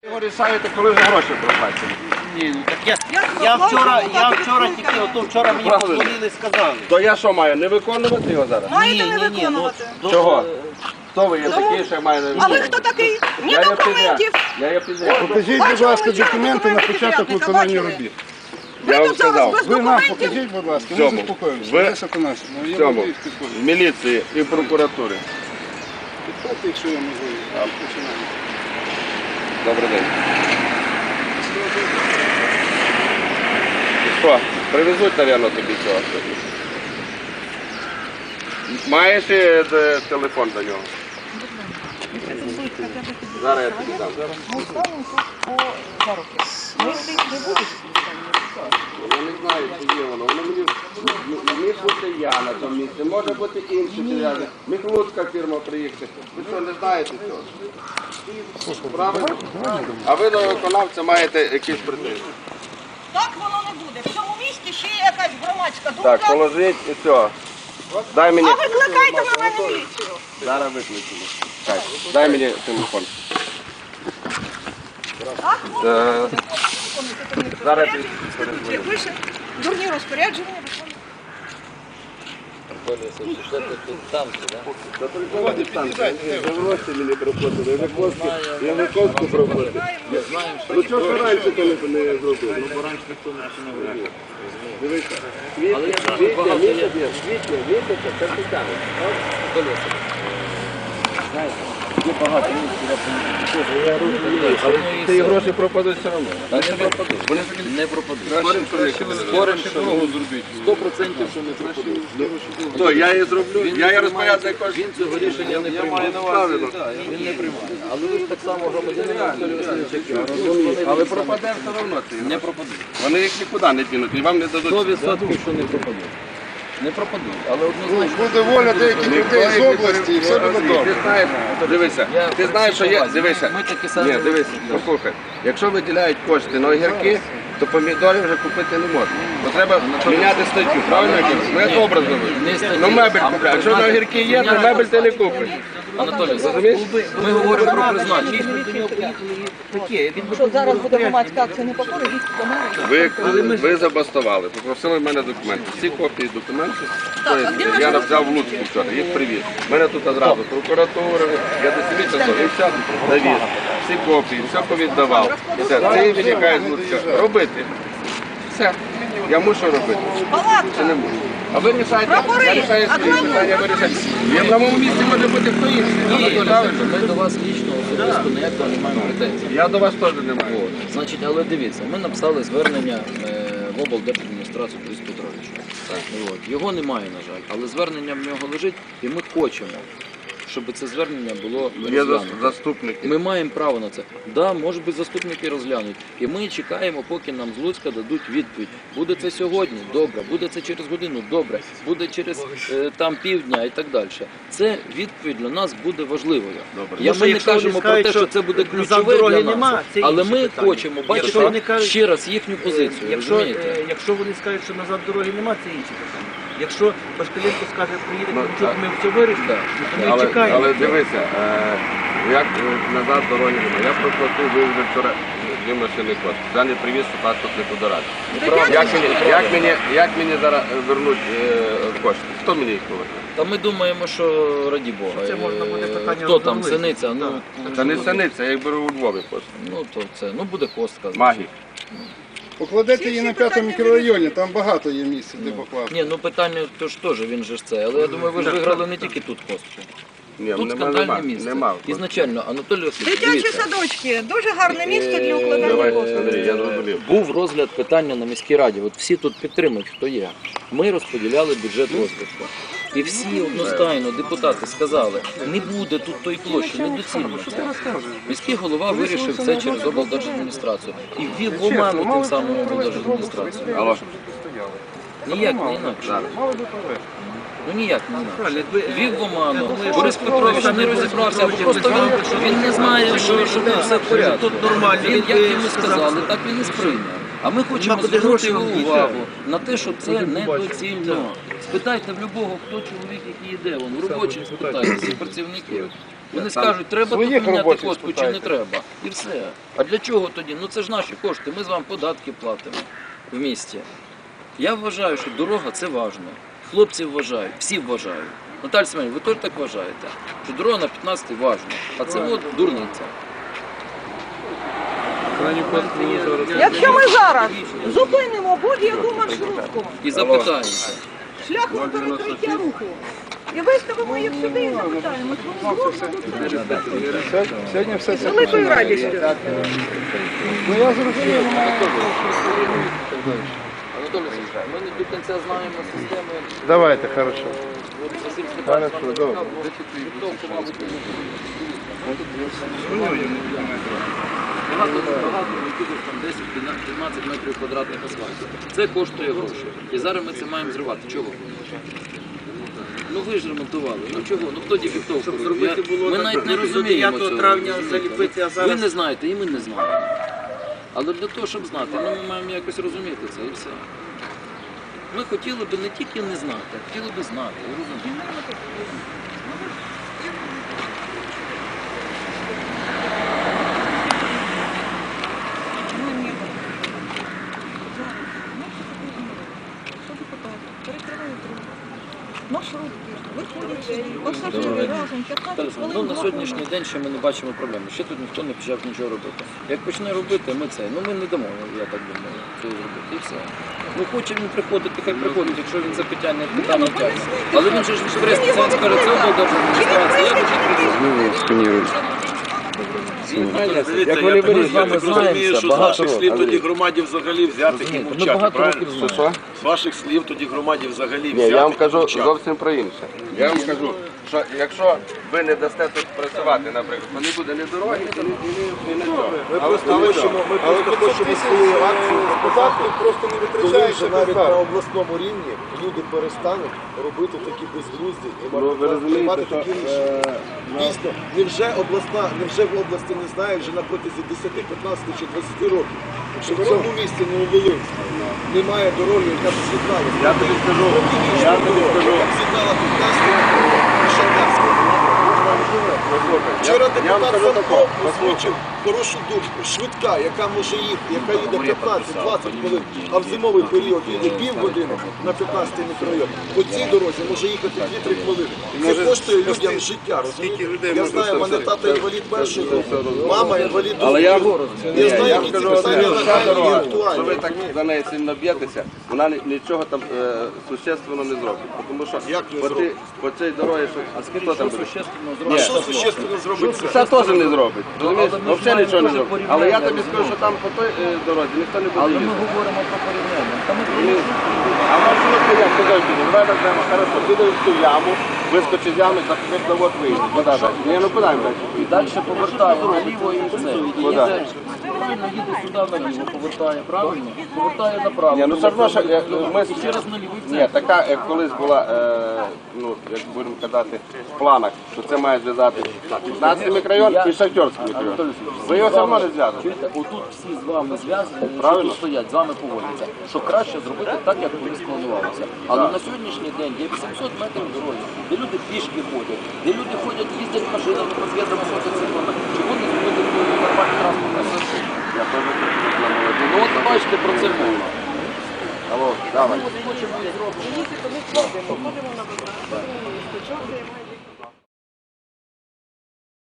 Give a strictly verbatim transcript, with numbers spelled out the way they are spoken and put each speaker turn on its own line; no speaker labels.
Ви рішаєте, коли вже гроші проплачені.
Ні, ну так я, я вчора, я вчора тільки, ото вчора мені подзвонили і сказали.
То я що маю, не виконувати його зараз?
Маєте не
Ні, ні, ні, ну,
виконувати.
Чого? Хто ви є такий, що я маю не
А
виконувати?
ви хто такий? Ні
Я є
документів.
підряд. Я є підряд.
Покажіть, будь ласка, документи на початок виконання робіт.
Я
Ви
вам
тут зараз
сказав.
без
Ви нам
документів.
покажіть, будь ласка, ми
Цьому.
заспокоїмося.
Ви-
Одеса наше. Ну,
В
є
цьому,
можливість підходити.
в міліції і в прокуратурі.
Підходьте, якщо є можливість. Починаємо.
Добрий день. Що, привезуть, мабуть, тобі цього сьогодні? Маєш е, де- телефон до нього? Зараз я тобі дам. Я не знаю, чи є воно. Воно мені міг бути я на тому місці, може бути інші підряди. Міг Луцька фірма приїхати. Ви що, не знаєте цього? Правильно? А ви до виконавця маєте якісь претензії.
Так воно не буде. В цьому місті ще є якась громадська
Так,
думка.
положіть і все. Дай мені.
А викликайте на мене міліцію.
Зараз виключимо. Так, дай мені телефон.
Так,
Е, Зараз я
як пише, дурні розпорядження.
Завелося мені проплатили, я Виконську, я Виконську проплатив. Ну чого ж раніше коли не зробили? Ну бо раніше ніхто не робив. Дивіться, квітня, квітня, місяця, квітня, місяця, це питання.
Є багато місць,
Але ці гроші пропадуть все одно.
не пропадуть.
Вони
Не пропадуть.
Спорим, що дорогу зробити.
Сто процентів, що не пропадуть.
То я її зроблю, я її розпоряджаю кожен.
Він цього рішення не приймає. Він не приймає. Але ви ж так само громадянин Анатолій Васильович, як я.
Але пропаде все одно ці
Не
гроші.
пропадуть.
Вони їх нікуди не дінуть і вам не
Сто
дадуть.
відсотків, що не пропадуть. Не пропадуть, але однозначно.
Буде воля деяких людей з області і все буде
Ти
добре.
знаєш, дивися,
Я
ти знаєш, що є, дивися.
Ми такі самі.
Ні, дивися, послухай. Якщо виділяють кошти на огірки, то помідорів вже купити не можна. Бо треба міняти статтю, правильно? Ну я добре
Не
зробив.
статтю.
Ну мебель
А
купляють. Якщо на
знаєте,
огірки є, то мебель ти не купиш.
Анатолій, ми говоримо про призначення.
Що зараз буде громадська акція не покори, їдьте до мене.
Ви, ви забастували, попросили в мене документи. Всі копії документів, тобто, я взяв в Луцьку вчора, їх привіз. У мене тут одразу прокуратура, я до сім'ї часов і все довіз. Всі копії, все повіддавав. Все, це і виникає з Луцька. Робити. Все. Я мушу робити. Чи не мушу? А ви рішаєте, я рішаю свої питання, ви рішаєте. В одному місці може бути хто інший. Правильно?
Ми до вас лічно особисто ніякого не маємо претензій.
Я до вас теж не маю.
От. Значить, але дивіться, ми написали звернення е, в облдержадміністрацію Борису Петровича. От. Його немає, на жаль, але звернення в нього лежить, і ми хочемо, щоб це звернення було
Є
розглянуто.
заступники. Ми...
Ми маємо право на це. Да, може би заступники розглянуть. І ми чекаємо, поки нам з Луцька дадуть відповідь. Буде це сьогодні, добре. Буде це через годину, добре. Буде через е, там півдня і так далі. Це відповідь для нас буде важливою.
Добре.
Я,
Тому
ми не
що якщо
кажемо
вони
про
скажуть,
те, що
що
це буде
назад
ключове
дороги
для
нема,
нас.
це
Але
інше
ми
питання.
хочемо
Якщо
бачити
вони кажуть-
ще раз їхню позицію.
Якщо,
розумієте?
е, якщо вони скажуть, що назад дороги нема, це інше питання. Якщо Пашкаленко скаже, приїде
Ну,
Кравчук,
так.
ми все вирішимо,
Да.
то ми
Але,
чекаємо.
але дивися, е, як е, назад дороги немає. Я проплатив, ви вже вчора дві машини кошти. Я не привіз, що паспорт не подорожчав. Як мені, як мені, як мені зараз вернуть е, кошти? Хто мені їх поверне?
Та ми думаємо, що раді Бога.
Це можна буде
Е,
питання
Хто там,
розробити.
синиця? Ну,
Та не синиця, я їх беру у Львові кошти.
ну то це, ну буде костка.
Магік.
Покладете її на п'ятому мікрорайоні, там багато є місць, де покласти.
Ні, ну питання то ж теж, він же ж це. Але я думаю, ви ж виграли не тільки тут костку.
Ні,
Тут
нема,
скандальне
нема,
місце.
нема.
Ізначально, Анатолій Васильович,
Дитячі
дивіться,
садочки, дуже гарне місто для укладання
Давай,
коштів.
Андрій, я зрозумів.
був розгляд питання на міській раді. От всі тут підтримують, хто є. Ми розподіляли бюджет розвитку. І всі одностайно депутати сказали, не буде тут тої площі, недоцільно це. Міський голова вирішив це через облдержадміністрацію. І ввів в оману тим самим облдержадміністрацію.
Алло.
Ніяк не інакше. Ну ніяк не інакше.
Якби-
Ввів в оману. Борис Петрович не розібрався, бо просто він, він не знає, що, що тут все в порядку.
Тут нормально.
Він, як
Він
йому
сказав,
сказали, так він і сприйняв. А ми хочемо
Нема куди
звернути
гроші
його
діти.
увагу на те, що це недоцільно. Спитайте в любого, хто чоловік, який йде, вон, в робочих спитайте, всіх працівників. Вони
Там
скажуть, треба тут
своїх
міняти
робочих
костку чи
спитайте.
не треба. І все. А для чого тоді? Ну це ж наші кошти, ми з вами податки платимо в місті. Я вважаю, що дорога це важливо. Хлопці вважають, всі вважають. Наталя Семенівна, ви теж так вважаєте, що дорога на п'ятнадцятий важна, а це от дурниця.
Якщо ми зараз зупинимо будь-яку маршрутку
І запитаємося.
шляхом перекриття руху і виставимо їх сюди і запитаємо, вони згодно до цього.
Сьогодні все
З
це.
великою радістю.
Ну я зрозумів.
Анатолій Олексійович, ми не до кінця знаємо системи.
Давайте, хорошо.
От Василь Степанович
Хорошо,
вам
добре.
розказував, підготовку, мабуть, не буде. Багато багато якихось там десять-п'ятнадцять метрів квадратних асфальту. Це коштує гроші. І зараз ми це маємо зривати. Чого? Ну ви ж ремонтували. Ну чого? Ну хто дефектовку
Щоб
робив?
зробити
Я-
було
Ми
так,
навіть не
до
розуміємо
дев'ятого
цього.
травня
розумієте?
заліпити, а
Ви
зараз-
не знаєте, і ми не знаємо. Але для того, щоб знати, ну, ми маємо якось розуміти це і все. Ми хотіли б не тільки не знати, а хотіли б знати, ви розумієте?
Маршрутки, виходять сюди, пасажири разом, п'ятнадцять
Ну,
хвилин.
на сьогоднішній день ще ми не бачимо проблеми. Ще тут ніхто не почав нічого робити. Як почне робити, ми це. Ну ми не дамо, я так думаю, цього зробити. І все. Ну хоче він приходити, хай приходить, якщо він це питання питання тягне. Але він же ж відкористається, він скаже, це облдержадміністрація, я дуже
Як
вони
я
вирішили,
так
ми
розумію,
знаємося
що з
багато
ваших
років.
слів тоді громаді взагалі взяти і
розумієте. Ми
мовчати,
багато
правильно?
років знаємо.
З ваших слів тоді громаді взагалі
Ні, я вам
взяти і
кажу
мовчати.
зовсім про інше. Я вам кажу, що якщо ви не дасте тут працювати, наприклад, то не буде ні дороги, ні, ні, ні, ні нічого.
Ми просто хочемо, ми просто хочемо свою акцію показати,
просто не
коли
витрачаєш
вже навіть на обласному рівні люди перестануть робити такі безглузді і
Ну, ви розумієте,
приймати
що,
такі рішення. Дійсно, невже обласна, невже в області не знають вже на протязі десяти, п'ятнадцяти чи двадцяти років, що в цьому місті Нововолинську немає дороги, яка б з'єднала.
Я тобі скажу, я тобі скажу.
Яка б з'єднала Південську і Шахтарську. Вчора
Я вам
депутат
скажу
Савко
таке,
озвучив хорошу думку. Швидка, яка може їхати, яка їде п'ятнадцять-двадцять хвилин, а в зимовий період їде півгодини на п'ятнадцятий мікрорайон. По цій дорозі може їхати дві-три хвилини. Це коштує людям життя, розумієте? Я знаю, в мене тата інвалід першої групи, мама інвалід
Але я,
другої.
ні,
Я знаю,
я
які ці
скажу
питання
одне, ця
нагальні і
дорога, що ви
актуальні.
так за неї сильно б'єтеся, вона ні- нічого там е, существенно не зробить. Тому що
Як не
по, цій,
зробить?
по цій дорозі, що, хто там буде?
А що существенно зробить це?
Це теж не зробить. Розумієш?
Але ми ж
Взагалі нічого не
маємо
зробить.
теж
Але я
порівняння,
тобі скажу, що там по той е, дорозі ніхто не буде
Але ми
їздити.
говоримо про порівняння. Та ми про
Ні. А маршрутку як сказав, давай візьмемо, хорошо, піде в ту яму, вискочить з ями, так як завод виїде. Куди далі? Ні, ну куди далі?
І далі повертає наліво і все. І
Куди?
їде, правильно, їде сюди наліво, повертає правильно, повертає направо.
Ні, ну все одно, що е, ми...
І ще раз наліво і
Ні,
все.
така, як колись була, е, ну, як будемо казати, в планах, що це має зв'язати п'ятнадцятий мікрорайон і Шахтерський мікрорайон. Ви його все одно не зв'язуєте.
Чуєте, отут всі з вами зв'язані, що
Правильно.
тут стоять, з вами поводяться, що краще зробити так, як колись планувалося. Але на сьогоднішній день є вісімсот метрів дороги, де люди пішки ходять, де люди ходять, їздять машинами по зв'язкам мотоциклами. Чому не зробити нормальний транспортний засіб?
Я теж на молоді.
Ну от бачите, про це мова.
Алло, давай.
Хочемо і зробимо.